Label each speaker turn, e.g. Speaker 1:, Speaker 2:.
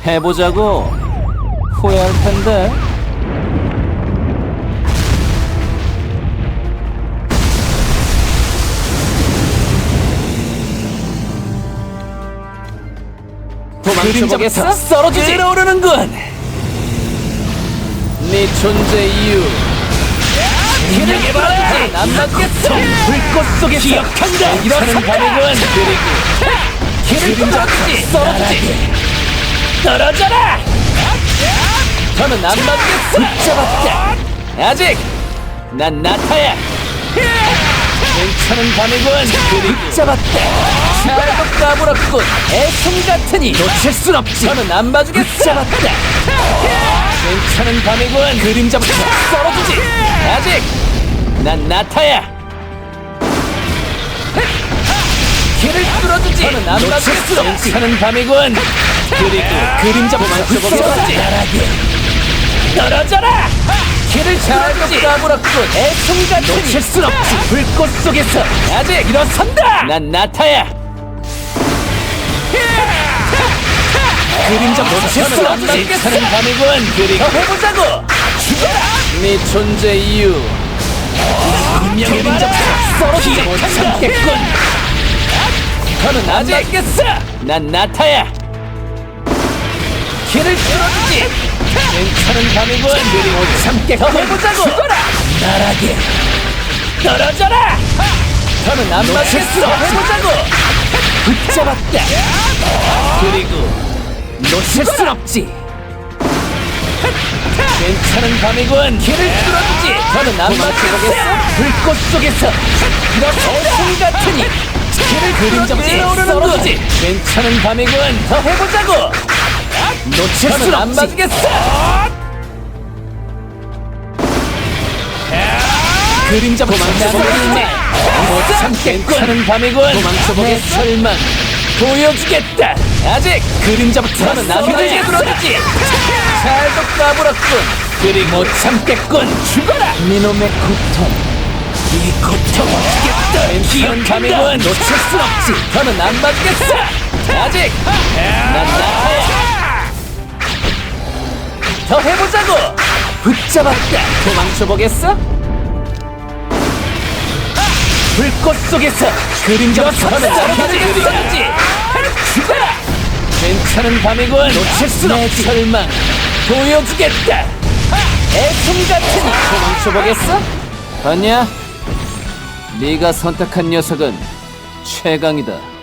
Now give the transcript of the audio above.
Speaker 1: 해보자고. 후회할 텐데. 도망쳐보겠어? 썰어주지! 끌어오르는군! 네 존재 이유 길을 끌어주지! 난 맞겠어! 불꽃 속에서 기억한다! 일어서는 밤이군! 그리고 길을 끌어주지! 썰어주지! 떨어져라! 저는 안 맞겠어! 붙잡았다! 아직! 난 나타야! 괜찮은 밤이군! 그리고 붙잡았다! 잘도 까불었군! 애송 같으니 놓칠 순 없지! 저는 안 봐주겠어! 붙잡았다! 괜찮은 밤이군! 그림자부터 썰어주지! 아직! 난 나타야! 길을 뚫어주지! 저는 안 봐주겠어! 괜찮은 밤이군! 그리고 그림자부터 썰어주지! 떨어져라! 길을 잘도 까불었군! 애송 같으니 놓칠 순 없지! 불꽃 속에서 아직 일어선다! 난 나타야! 그림자 놓칠 수 없지! 괜찮은 밤이군! 그리고 더 해보자고! 죽어라! 네 존재 이유 분명히 그림자부터 썰어주지 못하겠군! 너는 아직 알겠어! 난 나타야! 길을 뚫어주지! 괜찮은 밤이군! 그리고 못 참겠군! 더 해보자고! 죽어라! 나락에 떨어져라! 너는 안 맞겠어! 더 해보자고! 붙잡았다! 그리고 놓칠 순 없지! 괜찮은 밤이군! 길을 뚫어주지! 너는 안 맞겠어! 불꽃 속에서 이렇게 같으니 길을 그림자부터 썰어주지! 괜찮은 밤이군! 더 해보자고! 놓칠 순 안 맞겠어! 그림자부터 도망쳐보겠네! 못 참겠군! 괜찮은 밤이군! 도망쳐보겠어! 설마 보여주겠다! 아직! 그림자부터 너는 남들게 들어주지! 잘도 까불었군! 그리고 못 참겠군! 죽어라! 니놈의 고통! 이 고통 어떻겠다! 괜찮은 밤이군! 놓칠 순 없지! 너는 안 봐주겠어! 아직! 난 나타야! 더 해보자고! 붙잡았다! 도망쳐보겠어? 불꽃 속에서 그림자부터 너는 남들지! 죽어라! 괜찮은 밤이군! 놓칠 순 없지! 설마 보여주겠다! 애송 같으니 도망쳐보겠어? 봤냐? 네가 선택한 녀석은 최강이다.